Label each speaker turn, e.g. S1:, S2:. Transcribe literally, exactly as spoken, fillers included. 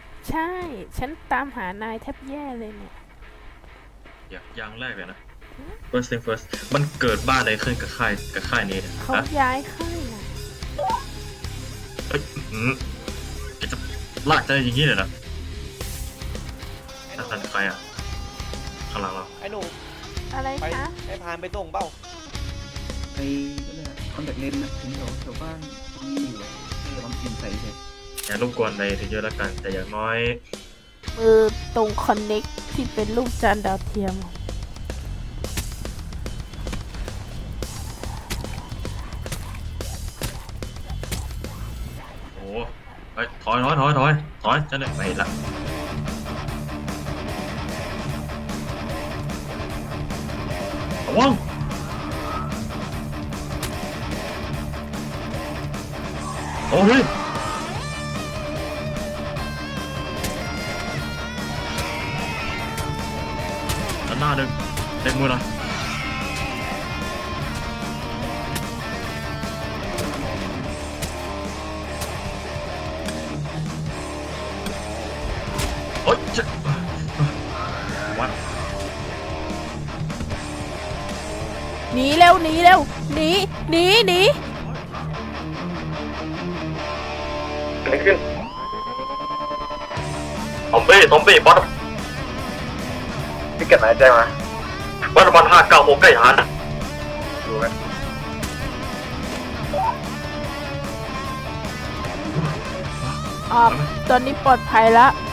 S1: ใช่ ฉันตามหานายแทบแย่เลยเนี่ย
S2: อย่างอย่างแรกเลยนะ first thing first มันเกิดบ้านอะไรขึ้นกับค่ายกับค่ายนี้เนี่ย
S1: เขา
S2: ฮะ
S1: ย้ายค่ายนะ
S2: เฮ้ยอืมแกจะลากใจอย่างนี้เลยนะ
S3: ไอ้ห
S2: นั่
S3: นู
S2: นนั่นใครอ่ะข้างหลังเรา
S3: ไอ้หนู
S1: อะไร
S3: ไป
S1: คะ
S3: ให้พานไปส่งเปล่า
S4: ไปก็เลยคอนแทคเลนส์นะถึงแถวแถวบ้านมีอยู่อะเออมันเปลี่ยนใส่เฉย
S2: อย่ารบกวนอะไรถึงเยอะแล้วกัน แต่อย่างน้อย
S1: มือตรงคอนเน็กที่เป็นรูปจานดาวเทียม
S2: โอ้โหเฮ้ยถอยถอยถอยถอยถอยจะเนี่ยไม่ละระวังโอ้เฮ้ยด้านหน้าหนึ่งเล็งมือหน่อยโอ๊ยจะวัด
S1: หนีเร็วหนีเร็วหนีหนีหนี
S2: อะไรขึ้นซอมบี้ซอมบี้บอสพี่เก็บไหนแจ้งมาวัดวันห้าเก้าหกใกล้หานะดูไหม
S1: ออกตอนนี้ปลอดภัยแล้ว